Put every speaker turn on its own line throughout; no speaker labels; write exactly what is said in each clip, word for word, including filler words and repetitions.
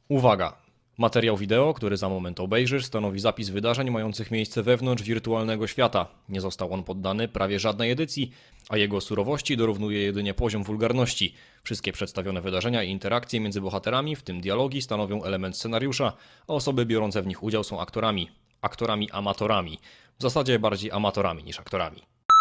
Uwaga! Materiał wideo, który za moment obejrzysz, stanowi zapis wydarzeń mających miejsce wewnątrz wirtualnego świata. Nie został on poddany prawie żadnej edycji, a jego surowości dorównuje jedynie poziom wulgarności. Wszystkie przedstawione wydarzenia i interakcje między bohaterami, w tym dialogi, stanowią element scenariusza, a osoby biorące w nich udział są aktorami. Aktorami amatorami. W zasadzie bardziej amatorami niż aktorami.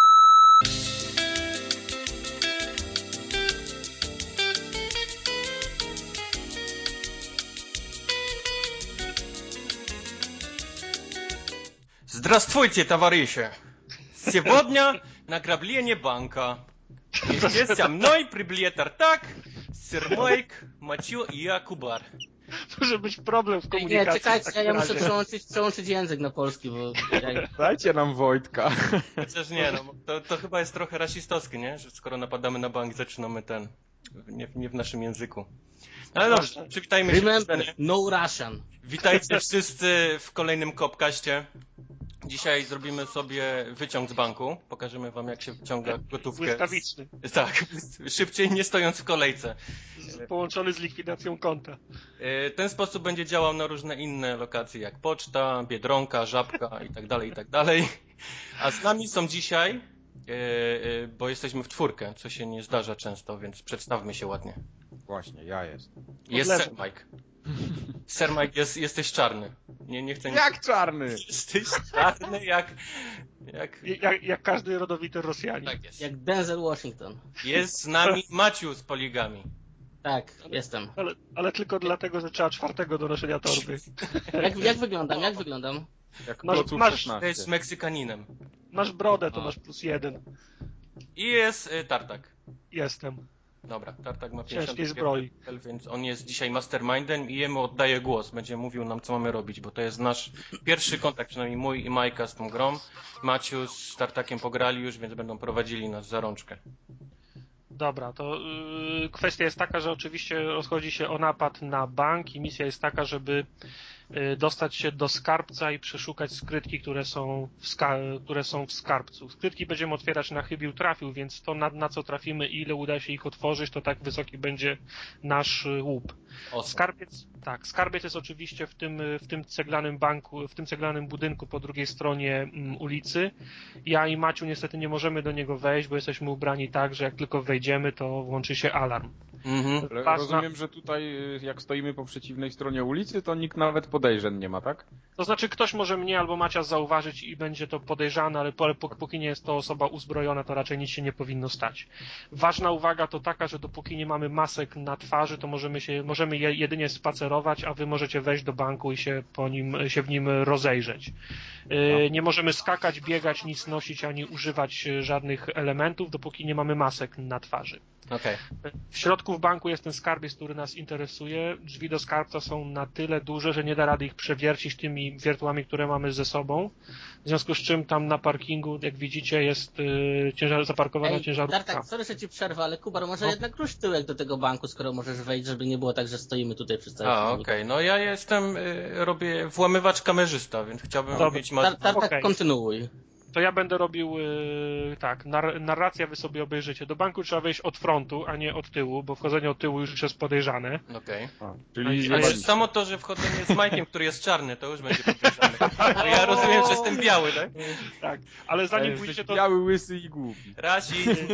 Здравствуйте, товарищи! Сегодня награбление банка. Вместе со мной приблет Артак, Сермайк, Мачо и Акубар.
Może być problem w komunikacji.
Nie, czekajcie,
w
ja,
takim
ja muszę
razie.
przełączyć, przełączyć język na polski, bo... Ja...
Dajcie nam Wojtka.
Chociaż nie, no, to, to chyba jest trochę rasistowskie, nie? Że skoro napadamy na bank, zaczynamy ten... Nie, nie w naszym języku. Ale dobrze, przywitajmy się.
Remember, no Russian.
Witajcie wszyscy w kolejnym Kopkaście. Dzisiaj zrobimy sobie wyciąg z banku. Pokażemy wam, jak się wyciąga gotówkę.
Błyskawiczny.
Tak, szybciej, nie stojąc w kolejce.
Z, połączony z likwidacją konta.
Ten sposób będzie działał na różne inne lokacje, jak poczta, Biedronka, Żabka i tak dalej, i tak dalej. A z nami są dzisiaj, bo jesteśmy w czwórkę, co się nie zdarza często, więc przedstawmy się ładnie.
Właśnie, ja jestem.
Jest
lewo.
Sir Mike. Sir Mike, jest, jesteś czarny. Nie, nie chcę...
Jak czarny?
Jesteś czarny jak... jak...
Jak, jak każdy rodowity Rosjanin.
Tak jest.
Jak Denzel Washington.
Jest z nami Maciu z Poligami.
Tak, jestem.
Ale, ale tylko dlatego, że trzeba czwartego do noszenia torby.
Jak, jak wyglądam, jak wyglądam?
Jak
Masz-
Kloców
masz-
To
szesnaście.
jest Meksykaninem.
Masz brodę, to
A.
masz plus jeden.
I jest y, Tartak.
Jestem.
Dobra, Tartak ma
Ciężkiej
pięćdziesiąt
zbroi.
więc on jest dzisiaj mastermindem i jemu oddaję głos. Będzie mówił nam, co mamy robić, bo to jest nasz pierwszy kontakt, przynajmniej mój i Majka z tą grą. Maciu z Tartakiem pograli już, więc będą prowadzili nas za rączkę.
Dobra, to yy, kwestia jest taka, że oczywiście rozchodzi się o napad na bank i misja jest taka, żeby yy, dostać się do skarbca i przeszukać skrytki, które są w, ska które są w skarbcu. Skrytki będziemy otwierać na chybił trafił, więc to na, na co trafimy i ile uda się ich otworzyć, to tak wysoki będzie nasz yy, łup.
Awesome.
Skarbiec, tak, skarbiec jest oczywiście w tym, w tym ceglanym banku, w tym ceglanym budynku po drugiej stronie mm, ulicy. Ja i Maciu niestety nie możemy do niego wejść, bo jesteśmy ubrani tak, że jak tylko wejdziemy, to włączy się alarm.
Mhm.
Ale
Ważna-
rozumiem, że tutaj y, jak stoimy po przeciwnej stronie ulicy, to nikt nawet podejrzeń nie ma, tak?
To znaczy ktoś może mnie albo Macia zauważyć i będzie to podejrzane, ale po- po- póki nie jest to osoba uzbrojona, to raczej nic się nie powinno stać. Ważna uwaga to taka, że dopóki nie mamy masek na twarzy, to możemy się, możemy je jedynie spacerować, a wy możecie wejść do banku i się po nim, się w nim rozejrzeć. Yy, Nie możemy skakać, biegać, nic nosić, ani używać yy, żadnych elementów, dopóki nie mamy masek na twarzy.
Okej.
W środku w banku jest ten skarbiec, który nas interesuje. Drzwi do skarbca są na tyle duże, że nie da rady ich przewiercić tymi wiertłami, które mamy ze sobą. W związku z czym tam na parkingu, jak widzicie, jest yy, ciężar, zaparkowana
Ej,
ciężarówka.
Tartak, sorry, że ci przerwę, ale Kubar, może
No.
jednak rusz tyłek do tego banku, skoro możesz wejść, żeby nie było tak, że stoimy tutaj przy całym
A, okej. No ja jestem, y, robię włamywacz kamerzysta, więc chciałbym
Dobra.
mieć... Ma...
Tar Tartak,
Okej.
kontynuuj.
To ja będę robił yy, tak, nar narracja wy sobie obejrzycie. Do banku trzeba wejść od frontu, a nie od tyłu, bo wchodzenie od tyłu już jest podejrzane.
Okej.
A, czyli
Ale
Ale
ale...
samo to, że wchodzenie z Majkiem, który jest czarny, to już będzie podejrzane. Bo ja rozumiem, że jestem biały, tak?
Tak, ale zanim
Jesteś
pójdziecie to...
biały, łysy i głupi.
Rasizm.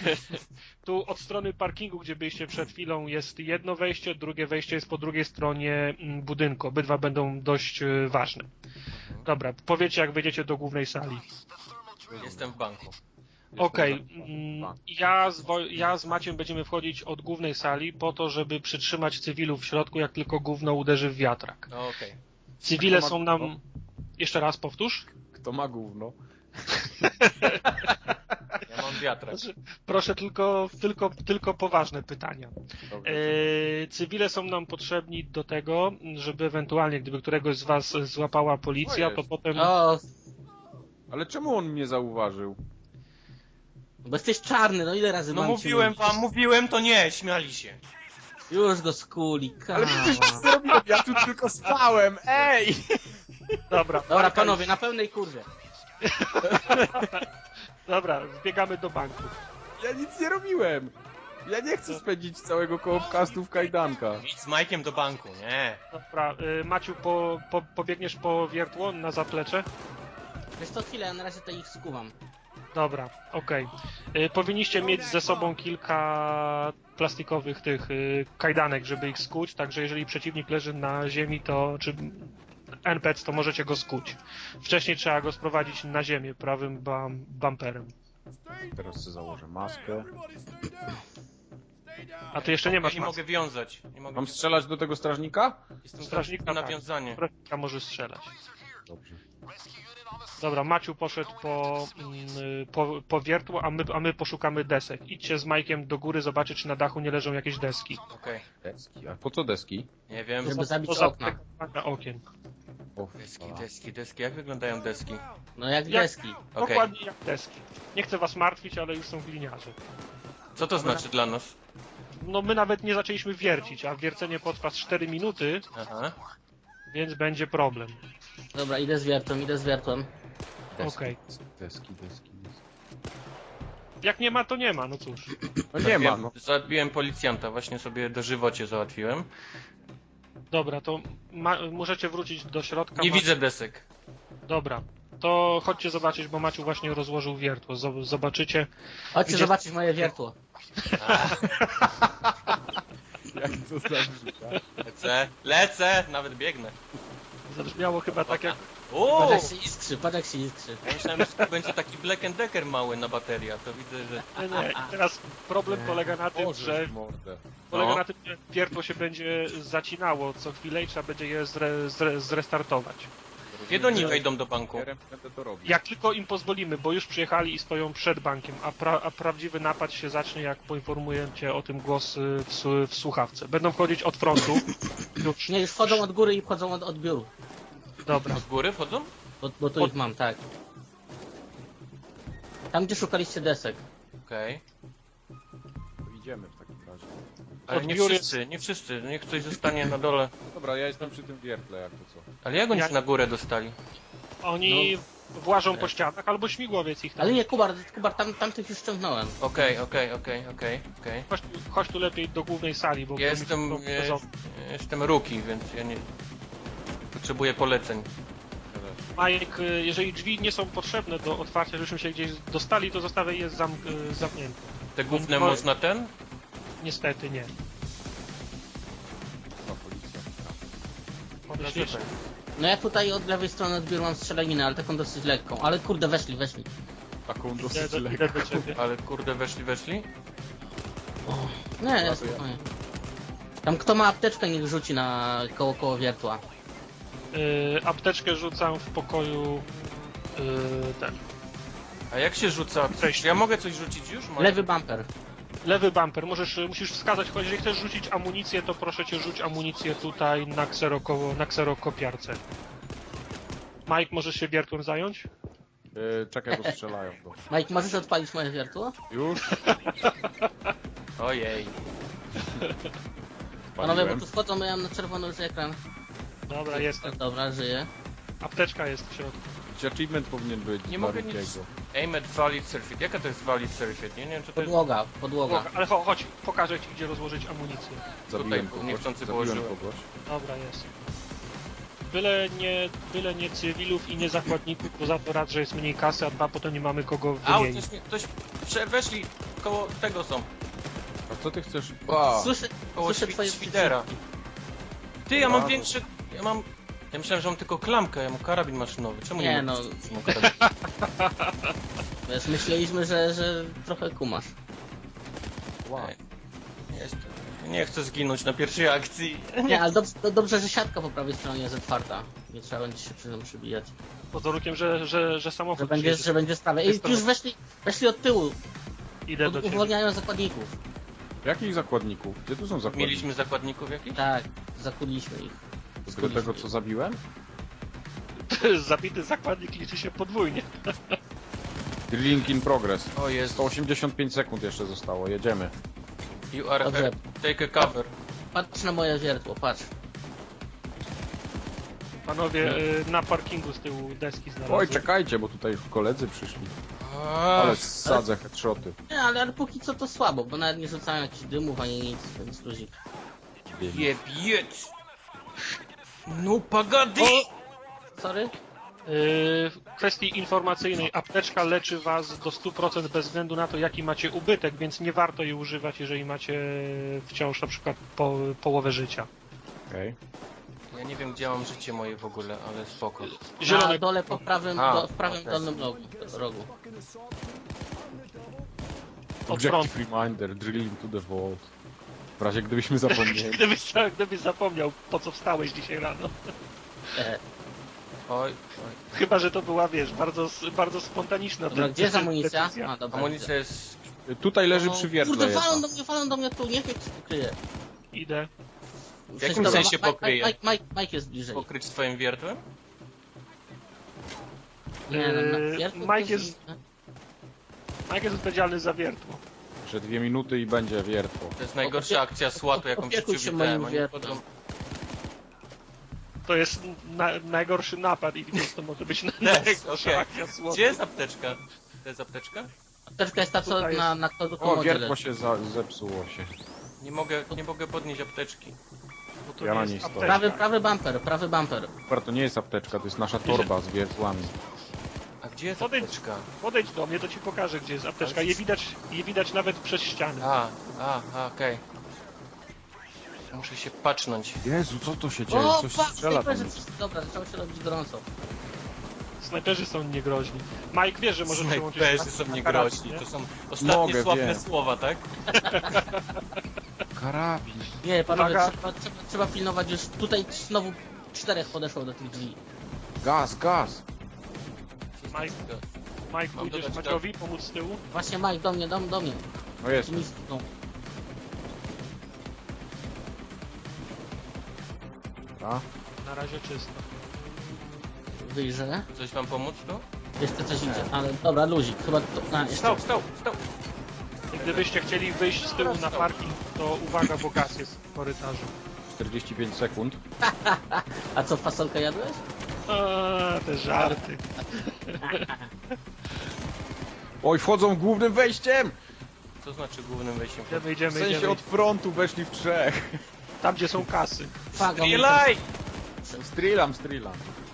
Tu od strony parkingu, gdzie byliście przed chwilą, jest jedno wejście, drugie wejście jest po drugiej stronie mm, budynku. Obydwa będą dość y, ważne. Dobra, powiecie jak wejdziecie do głównej sali.
Jestem w banku.
Okej, mm, ja, z Wo- ja z Maciem będziemy wchodzić od głównej sali po to, żeby przytrzymać cywilów w środku, jak tylko gówno uderzy w wiatrak.
No, okej.
Cywile
Kto ma
są nam...
gówno?
Jeszcze raz powtórz.
Kto ma gówno?
Ja mam wiatrak.
Znaczy, proszę tylko, tylko, tylko poważne pytania.
Dobrze.
E, cywile są nam potrzebni do tego, żeby ewentualnie, gdyby któregoś z was złapała policja,
O
to
jest.
potem...
O,
Ale czemu on mnie zauważył?
bo jesteś czarny, no ile razy
No
mam ci
mówiłem
mówić?
wam, mówiłem, to nie, śmiali się.
Już go skuli,
Ale przecież nic nie robiłem, ja tu tylko spałem, ej!
Dobra,
Dobra,
Marka,
panowie, na pełnej kurwie.
Dobra, wbiegamy do banku.
Ja nic nie robiłem! Ja nie chcę spędzić całego kołopkastu w kajdankach.
Idź z Majkiem do banku, nie.
Dobra, y, Maciu, po, po, pobiegniesz po wiertło na zaplecze?
Wiesz to chwilę, ja na razie to ich skuwam.
Dobra, okej. Y, Powinniście mieć ze sobą kilka plastikowych tych y, kajdanek, żeby ich skuć, także jeżeli przeciwnik leży na ziemi, to czy N P C, to możecie go skuć. Wcześniej trzeba go sprowadzić na ziemię prawym bam, bumperem.
Teraz sobie założę maskę.
A ty jeszcze nie masz
nie
maski.
mogę wiązać. Nie mogę
Mam strzelać do tego strażnika?
Jestem
strażnika,
strażnikiem na
tak.
wiązanie.
Strażnika może strzelać.
Dobrze.
Dobra, Maciu poszedł po, mm, po, po wiertło, a my, a my poszukamy desek. Idźcie z Majkiem do góry, zobaczyć, czy na dachu nie leżą jakieś deski.
Okej.
Deski. A po co deski?
Nie wiem.
Żeby zabić
Poza
okna.
na okien.
O,
Deski, deski, deski. Jak wyglądają deski?
No jak
Jak-
deski.
Okej.
Dokładnie jak deski. Nie chcę was martwić, ale już są gliniarze.
Co to znaczy dla nas?
No my nawet nie zaczęliśmy wiercić, a wiercenie potrwa cztery minuty,
Aha.
więc będzie problem.
Dobra, idę z wiertłem, idę z wiertłem.
Deski,
Okej.
deski, deski, deski.
Jak nie ma, to nie ma, no cóż.
No nie ma,
Zabiłem-
no.
Zabiłem policjanta, właśnie sobie dożywocie załatwiłem.
Dobra, to ma, możecie wrócić do środka.
Nie
Ma-
widzę desek.
Dobra, to chodźcie zobaczyć, bo Maciu właśnie rozłożył wiertło. Zob- Zobaczycie.
Chodźcie
Gdzie-
zobaczyć moje wiertło.
Jak to zabrzmi,
Lecę, lecę, nawet biegnę.
Zabrzmiało chyba tak jak...
Uuu!
Patrz jak się iskrzy, patrz jak się iskrzy.
Ja myślałem, że to będzie taki Black and Decker mały na bateria, to widzę, że...
Nie, nie. I teraz problem polega na tym,
Boże,
że
mordę.
polega
No.
na tym, że wiertło się będzie zacinało co chwilę i trzeba będzie je zre, zre, zrestartować.
Kiedy oni wejdą do banku?
Ja będę to robić.
Jak tylko im pozwolimy, bo już przyjechali i stoją przed bankiem, a, pra, a prawdziwy napad się zacznie, jak poinformuję cię o tym głos y, w, su- w słuchawce. Będą wchodzić od frontu. Już,
Nie, już wchodzą od góry i wchodzą od odbioru.
dobra.
Od góry wchodzą?
Bo, bo tu
Od-
ich mam, tak. Tam gdzie szukaliście desek.
Okej.
To idziemy w takim razie.
Ale nie
Odbiór jest-
wszyscy, nie wszyscy, niech ktoś zostanie na dole.
Dobra, ja jestem przy tym wiertle, jak to co.
Ale jak oni
Jak-
się na górę dostali?
Oni włażą po ścianach, albo śmigłowiec ich tam.
Ale nie, Kubar, Kubar, tam, tamtych już ściągnąłem.
Okej, okej, okej, okej, okej.
Chodź, tu- chodź tu lepiej do głównej sali, bo...
Jestem,
bo mi to-
jest, jestem rookie, więc ja nie... Potrzebuję poleceń.
Majek, y, jeżeli drzwi nie są potrzebne do otwarcia, żebyśmy się gdzieś dostali, to zostawię je zam, y, zamknięte.
Te główne
No,
można ten?
Niestety nie.
No, policja.
Myślisz?
No ja tutaj od lewej strony odbioru mam strzelaninę, ale taką dosyć lekką. Ale kurde, weszli, weszli.
Taką
Idę
dosyć
do, idę
lekką.
do ciebie.
Ale kurde, weszli, weszli?
Nie, nie, spokojnie. Tam kto ma apteczkę, niech rzuci na koło koło wiertła.
Y, apteczkę rzucam w pokoju y, ten.
A jak się rzuca?
Cześć.
Ja mogę coś rzucić już? Mogę?
Lewy bumper.
Lewy bumper, możesz, y, musisz wskazać, choć jeżeli chcesz rzucić amunicję, to proszę cię rzuć amunicję tutaj na, kseroko, na kserokopiarce. Mike, możesz się wiertłem zająć?
Yy, czekaj, bo strzelają. Bo...
Mike, możesz odpalić moje wiertło?
Już?
Ojej.
Panowie, bo
Paliłem.
tu wchodzą, ja mam na czerwono już ekran.
Dobra, jestem.
Dobra, żyję.
Apteczka jest w środku.
Achievement powinien być.
Nie
dla
mogę nic-
Rickiego.
Aim at valid surfeit. Jaka to jest valid surfeit? Nie, nie wiem, co to jest.
Podłoga, podłoga.
Ale cho- chodź, pokażę ci, gdzie rozłożyć amunicję.
Zabiłem
Tutaj
kogoś.
niechcący
Zabiłem
położyłem.
kogoś.
Dobra, jest. Byle nie, byle nie cywilów i nie zakładników, bo za to raz, że jest mniej kasy, a dwa, potem nie mamy kogo
Au,
wymienić.
ktoś, mi- ktoś prze, weszli koło tego są.
A co ty chcesz? A,
Słyszę,
Koło
słyszę
świ,
twoje
świdera. Ty, ja mam
Brawo.
większy... Ja mam... Ja myślałem, że mam tylko klamkę, ja mam karabin maszynowy. Czemu nie,
Nie,
mogę
no.
rzucić mu karabin?
Wiesz, myśleliśmy, że, że trochę kumasz.
wow.
Jestem. Nie chcę zginąć na pierwszej akcji.
Nie, ale dobrze, to dobrze, że siatka po prawej stronie jest otwarta. Nie trzeba będzie się przy tym przybijać.
Pod warunkiem, że, że, że samochód
Że będzie,
przyjedzie.
że będzie sprawa.
Jest
I już weszli, weszli od tyłu.
Idę do
Od,
ciebie.
uwolniają zakładników.
Jakich zakładników? Gdzie tu są zakładniki?
Mieliśmy zakładników jakichś?
Tak, zakuliliśmy ich.
Do tego, co zabiłem?
Zabity zakładnik liczy się podwójnie.
Link in progress.
O jest.
sto osiemdziesiąt pięć sekund jeszcze zostało, jedziemy.
You are...
Dobrze.
Take a cover.
Patrz na moje wiertło, patrz.
Panowie, y, na parkingu z tyłu deski znalazłem.
Oj, czekajcie, bo tutaj koledzy przyszli. Ale sadzę headshoty.
Nie, ale, ale póki co to słabo, bo nawet nie rzucają jakichś dymów ani nic, więc luzik.
Jebiec! No pagady!
Sorry?
Yy, w kwestii informacyjnej, apteczka leczy was do stu procent bez względu na to, jaki macie ubytek, więc nie warto jej używać, jeżeli macie wciąż na przykład po, połowę życia.
Okej.
Ja nie wiem, gdzie mam życie moje w ogóle, ale spoko.
Na
Zielony,
dole po prawym,
A,
do, w prawym
okej.
dolnym rogu. rogu.
od frontu.
Objective reminder, drill into the vault. W razie gdybyśmy zapomnieli.
Gdybyś, gdybyś zapomniał, po co wstałeś dzisiaj rano.
E,
Oj, oj.
Chyba, że to była, wiesz, bardzo, bardzo spontaniczna
dobra, gdzie jest amunicja?
decyzja.
A, dobra,
Amunicja jest...
Tutaj leży
O,
przy wiertle
Kurde,
jedna.
walą do mnie, walą do mnie tu, niech jak się pokryje.
Idę.
W jakim sensie pokryje?
Mike, Mike, Mike jest bliżej.
Pokryć swoim wiertłem?
Nie, no,
Eee,
na wiertło
Mike
to
jest- Mike jest odpowiedzialny za wiertło.
Jeszcze dwie minuty i będzie wiertło.
To jest najgorsza akcja słatu, jaką
Opiekuj się
przywitałem.
moim
Oni
wiertłem.
wchodzą-
To jest na, najgorszy napad i więc to może być
Też,
najgorsza
okej.
akcja słowa.
Gdzie jest apteczka? To jest apteczka?
Apteczka jest ta, co
Tutaj
na,
jest-
na kogo
O,
komodzie
wiertło
leży.
się za, zepsuło się.
Nie mogę, nie mogę podnieść apteczki.
Bo to
Ja
nie
na
jest
niej stoję.
apteczka.
Prawy, prawy bumper, prawy bumper.
Super, to nie jest apteczka, to jest nasza torba z wiertłami.
A gdzie jest
Podejdź.
apteczka?
Podejdź do mnie, to ci pokażę, gdzie jest apteczka. Je widać, je widać nawet przez ścianę.
A, a, a okej. Muszę się patrznąć.
Jezu, co to się dzieje?
O,
Coś
fuck,
strzela tam.
snajperzy, dobra, zaczęło się robić gorąco.
Snajperzy są niegroźni. Mike wie, że może przyłączyć
Snajperzy są niegroźni. To są ostatnie
Mogę,
sławne
wiem.
słowa, tak?
Karabin.
Nie, panowie,
Uwaga.
trzeba, trzeba, trzeba pilnować już. Tutaj znowu czterech podeszło do tych drzwi.
Gaz, gaz.
Mike, Mike,
Mam
pójdziesz
dodać
Maciowi pomóc z tyłu?
Właśnie Mike, do mnie, do, do mnie.
No jest.
Ci mi stukną.
A?
Na razie czysto.
Wyjrzę.
Coś wam pomóc tu?
Jeszcze coś idzie, ale dobra, luzik, chyba to... A, jeszcze.
Stał, stał, stał!
I gdybyście chcieli wyjść z tyłu na parking, to uwaga, bo gaz jest w korytarzu.
czterdzieści pięć sekund.
A co, fasolkę jadłeś?
A, te żarty.
Oj, wchodzą głównym wejściem!
Co znaczy głównym wejściem?
Idziemy,
W
idziemy,
sensie
idziemy.
od frontu weszli w trzech.
Tam, gdzie są kasy.
Fuck,
Strzelaj!
Strillam, strillam.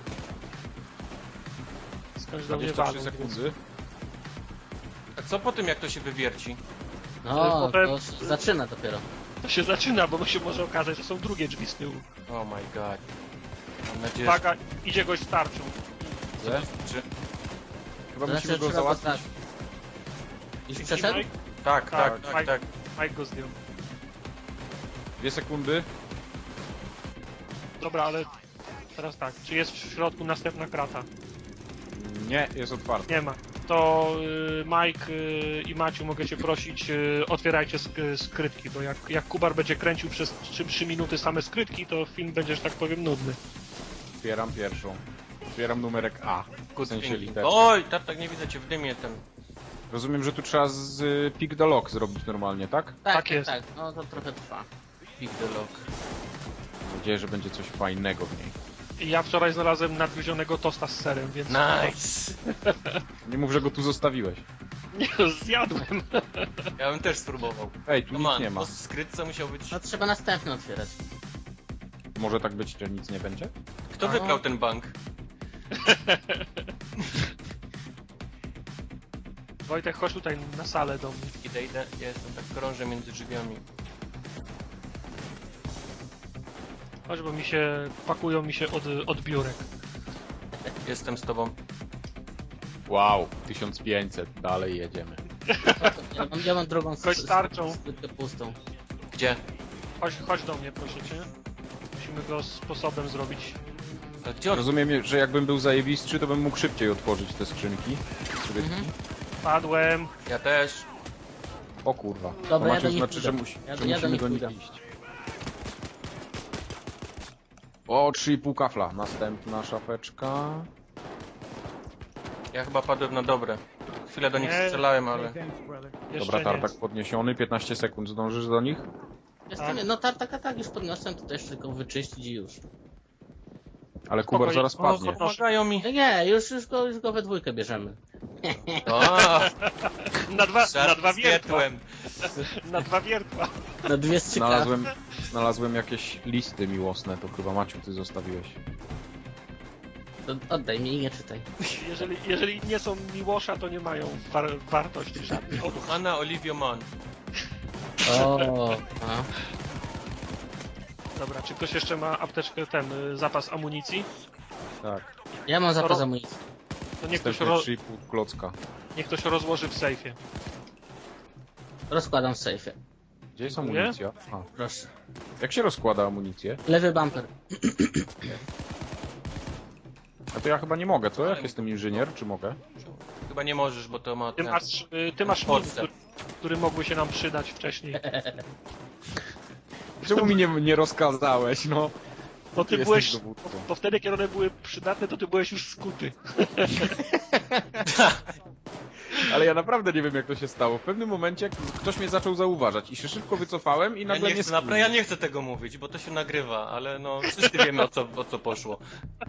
Skądś do mnie
dwadzieścia
walą.
trzy sekundy.
A co po tym, jak to się wywierci?
No,
Potem-
to się zaczyna dopiero.
To się zaczyna, bo się może okazać, że są drugie drzwi z tyłu.
Oh my god. Mam nadzieję,
Uwaga, idzie gość z tarczą.
że...
Gdzie?
Czy...
Chyba
To
musimy
znaczy,
go
trzeba
załatwić.
postawić. Już
Widzisz,
przeszedł?
Mike?
Tak, tak,
Tak,
tak,
Mike.
tak.
Mike go zdjął.
Dwie sekundy.
Dobra, ale teraz tak, czy jest w środku następna krata?
Nie, jest otwarty.
Nie ma. To y, Mike y, i Maciu mogę cię prosić, y, otwierajcie sk skrytki, bo jak, jak Kubar będzie kręcił przez trzy minuty same skrytki, to film będzie, że tak powiem, nudny.
Otwieram pierwszą. Otwieram numerek A. W
Good
sensie
thinking.
literkę.
Oj, tak, tak nie widzę cię w dymie ten.
Rozumiem, że tu trzeba z y, pick the lock zrobić normalnie, tak?
Tak,
Tak
tak,
jest.
tak. No to trochę trwa.
Pick the lock.
Mam nadzieję, że będzie coś fajnego w niej.
I ja wczoraj znalazłem nadgryzionego tosta z serem, więc...
Nice!
Nie mów, że go tu zostawiłeś.
Nie, zjadłem.
Ja bym też spróbował.
Ej, tu
No
nic
man,
nie ma.
to skrytce musiał być...
No trzeba następny otwierać.
Może tak być, że nic nie będzie?
Kto
No.
wybrał ten bank?
Wojtek, chodź tutaj na salę do mnie.
Idę, idę, ja jestem tak krążę między drzwiami.
Chodź, bo mi się... pakują mi się od, od biurek.
Jestem z tobą.
Wow, tysiąc pięćset, dalej jedziemy.
Ja mam, ja mam drugą
Kość tarczą.
skrytkę pustą.
Gdzie?
Chodź, chodź do mnie, proszę cię. Musimy go sposobem zrobić.
A gdzie on?
Rozumiem, że jakbym był zajebistszy, to bym mógł szybciej otworzyć te skrzynki. Skrytki.
Mhm.
Padłem.
Ja też.
O kurwa.
Dobra,
to
ja
macie
do nich
znaczy, że,
pójdę.
musi,
Ja-
że
ja do
musimy
nich
do nich
pójdę.
iść. O, trzy i pół kafla. Następna szafeczka.
Ja chyba padłem na dobre. Chwilę do nich
Nie.
strzelałem, ale...
Jeszcze
Dobra,
nie.
tartak podniesiony, piętnaście sekund. Zdążysz do nich?
Jestem, no tartaka tak już podniosłem, to też tylko wyczyścić i już.
Ale Kubar
Spokojnie.
zaraz
O,
padnie.
chodź.
Pomagają mi.
Nie, nie, już, już, go, już go we dwójkę bierzemy.
O,
Na dwa, na
żart
dwa
z
wiertła.
wiertłem.
Na dwa wiertła.
Na dwie strzykawy.
Znalazłem, znalazłem jakieś listy miłosne, to chyba Maciu ty zostawiłeś.
To oddaj mi i nie czytaj.
Jeżeli, jeżeli nie są Miłosza, to nie mają war wartości żadnej. O,
Anna Olivio Mann.
O, a.
dobra, czy ktoś jeszcze ma apteczkę, ten y, zapas amunicji?
Tak,
Ja mam zapas
Ro-
amunicji.
To niech ktoś,
wstępnie
ro
trzy i pół klocka.
niech ktoś rozłoży w sejfie.
Rozkładam w sejfie.
Gdzie jest
Dziękuję.
amunicja? A,
Proszę.
jak się rozkłada amunicję?
Lewy bumper.
A to ja chyba nie mogę, co? Jak jestem inżynier, czy mogę?
Chyba nie możesz, bo to ma
Ty
ten...
masz, y, ty masz
Ten
nim,
podstęp.
który, który mogły się nam przydać wcześniej.
Czemu mi nie, nie rozkazałeś, no?
Bo ty
Jesteś
byłeś,
dowódcą.
bo wtedy kiedy one były przydatne, to ty byłeś już skuty.
Ale ja naprawdę nie wiem, jak to się stało. W pewnym momencie ktoś mnie zaczął zauważać i się szybko wycofałem i
Ja
nagle
nie,
mnie
chcę, napra- ja nie chcę tego mówić, bo to się nagrywa, ale no wszyscy wiemy o co, o co poszło.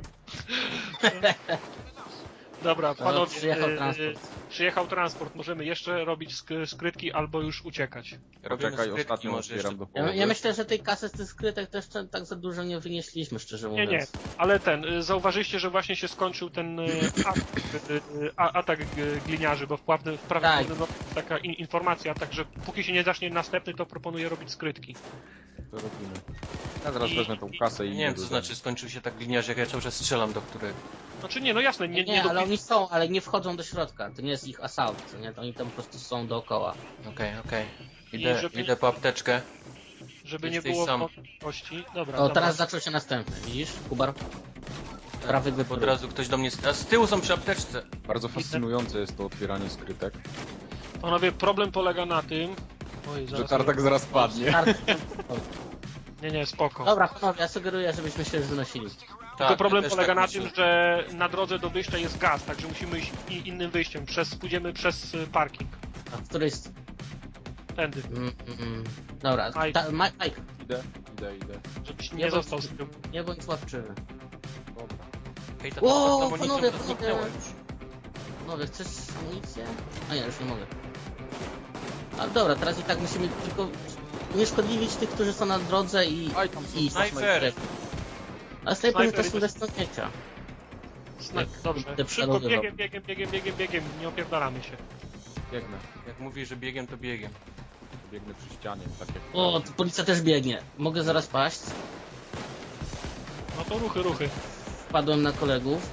Dobra,
No,
panowie,
przyjechał
y, y,
transport.
przyjechał transport. Możemy jeszcze robić sk skrytki albo już uciekać.
Robimy
Poczekaj,
skrytki
ostatnio
może
otwieram
jeszcze.
do
Ja,
połowy.
ja myślę, że tej kasy z tych skrytek też te- tak za dużo nie wynieśliśmy, szczerze
Nie,
mówiąc.
nie, ale ten, y, zauważyliście, że właśnie się skończył ten y, atak, y, y, a- atak y, gliniarzy, bo w prawnym, w prawym
Tak.
tak. taka in, informacja, także póki się nie zacznie następny, to proponuję robić skrytki.
To robimy. Ja zaraz
I-
wezmę tą kasę i...
Nie wiem co znaczy skończył się tak gliniarz, jak ja cały czas strzelam do którego.
Znaczy nie, no jasne, nie,
Nie,
nie,
ale
dopis-
oni są, ale nie wchodzą do środka. To nie jest ich assault, co nie? To oni tam po prostu są dookoła.
Okej, okej.
I
Idę,
żeby-
idę po apteczkę.
żeby nie
jesteś
było
sam.
wątpliwości. Dobra,
O,
dobra.
teraz zaczął się następny, widzisz, Kubar? Prawy
Bo
wypróg.
od razu ktoś do mnie... A z tyłu są przy apteczce.
Bardzo fascynujące jest to otwieranie skrytek,
Panowie, problem polega na tym... Oj,
że
zaraz
tartak zaraz padnie.
Nie, nie, spoko.
Dobra, panowie, ja sugeruję, żebyśmy się już wynosili.
Tak,
Tylko problem
ja też
polega
tak
na
myślę.
tym, że na drodze do wyjścia jest gaz, także musimy iść i- innym wyjściem. Przez, pójdziemy przez y, parking.
A w której... s-
Tędy,
Mm, mm, mm. Dobra,
Mike.
ta, Mike, Mike,
Idę, idę, idę.
żebyś
Nie
nie
bądź-
został z tyłu.
nie bądź łapczywy.
Dobra.
Hej, ta
O,
ta amunicja
panowie,
to
panowie.
zniknęła już.
Panowie, chcesz amunicję? A nie, już nie mogę. A dobra, teraz i tak musimy tylko unieszkodliwić tych, którzy są na drodze i...
Aj, tam są
i
snajpery.
A snajpery to
Snajpery
są
też-
bez śmieciia.
Zna-
Jak
Dobrze,
te
szybko,
przeroby
biegiem,
robią.
biegiem, biegiem, biegiem, biegiem, nie opierdalamy się.
Biegnę.
Jak mówisz, że biegiem, to biegiem.
Biegnę przy ścianie, tak jak...
O, tu policja też biegnie. Mogę zaraz paść.
No to ruchy, ruchy.
Wpadłem na kolegów.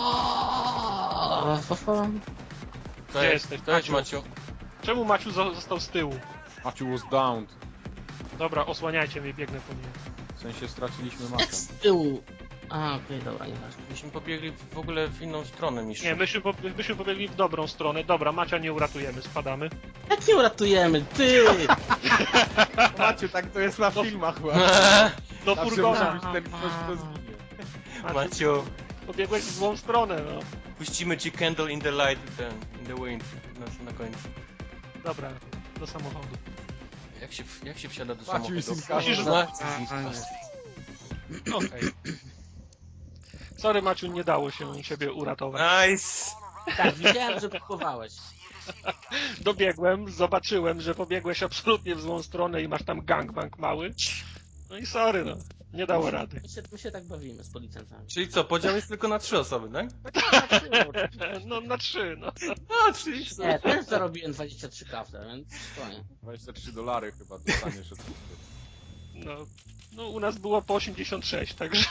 O, fa, fa.
To
Gdzie
jest,
jesteś,
to jest
Maciu?
Maciu.
Czemu Maciu zo- został z tyłu?
Maciu was downed.
Dobra, osłaniajcie mnie, biegnę po nim.
W sensie straciliśmy
Jak
Macia.
z tyłu? A, okej, dobra, nieważne.
Myśmy pobiegli w ogóle w inną stronę niż...
Nie, myśmy, po, myśmy pobiegli w dobrą stronę. Dobra, Macia nie uratujemy, spadamy.
Jak nie uratujemy? Ty!
Maciu, tak to jest na filmach chyba.
Do
Zawsze
furgona.
musi być ten ktoś, kto zginie.
Maciu,
Maciu,
pobiegłeś w złą stronę, no.
puścimy ci candle in the light i ten, in the wind na, na końcu.
Dobra, do samochodu.
Jak się, jak się wsiada do
Maciu
samochodu?
jest in
Musisz
custody.
Znać-
Okej. Sorry Maciu, nie dało się ciebie uratować.
Nice!
Tak, widziałem, że próbowałeś.
Dobiegłem, zobaczyłem, że pobiegłeś absolutnie w złą stronę i masz tam gangbang mały. No i sorry, no. Nie dało rady.
My się, my się tak bawimy z policjantami.
Czyli co, podział jest tylko na trzy osoby, tak?
No na trzy, no.
A, trzy.
Nie, też zarobiłem dwadzieścia trzy kafle, więc spokojnie.
dwadzieścia trzy dolary chyba dostaniesz od
No, no u nas było po osiemdziesiąt sześć, także...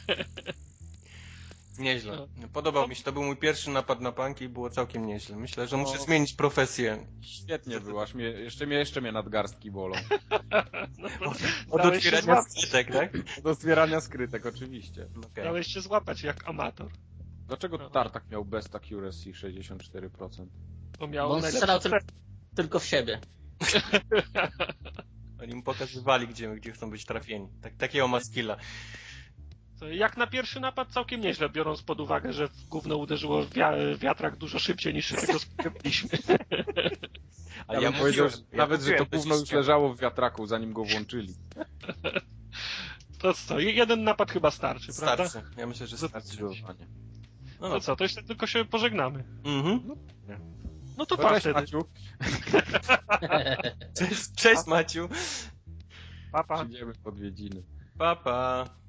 Nieźle. Podobał mi się, to był mój pierwszy napad na panki i było całkiem nieźle. Myślę, że muszę
No.
zmienić profesję.
Świetnie było, aż mnie, jeszcze, mnie, jeszcze mnie nadgarstki bolą.
No,
Od
dałeś się
otwierania
złapać,
skrytek, tak?
Do zbierania skrytek, oczywiście.
Okej.
dałeś się złapać jak amator.
Dlaczego
No.
Tartak miał best accuracy sześćdziesiąt cztery procent?
Bo miał
Bo on
najlepszy
strzelał tylko,
cel.
tylko w siebie.
Oni mu pokazywali, gdzie, gdzie chcą być trafieni. Tak, takiego ma skilla.
To Jak na pierwszy napad całkiem nieźle, biorąc pod uwagę, że w gówno uderzyło wia- wiatrak dużo szybciej niż się tego spodziewaliśmy.
A
Ja,
ja
bym powiedział,
mówiłem,
że nawet, że to
mówiłem,
gówno już
beziście.
leżało w wiatraku, zanim go włączyli.
To co, jeden napad chyba starczy, prawda?
Starczy. Ja myślę, że starczy.
Zdecydowanie.
No
To
no
co, to jeszcze tylko się pożegnamy.
Mhm.
No to
To
pa
cześć,
wtedy.
Maciu.
Cześć, cześć Maciu.
Pa, pa.
Przyjdziemy w odwiedziny.
Pa, pa.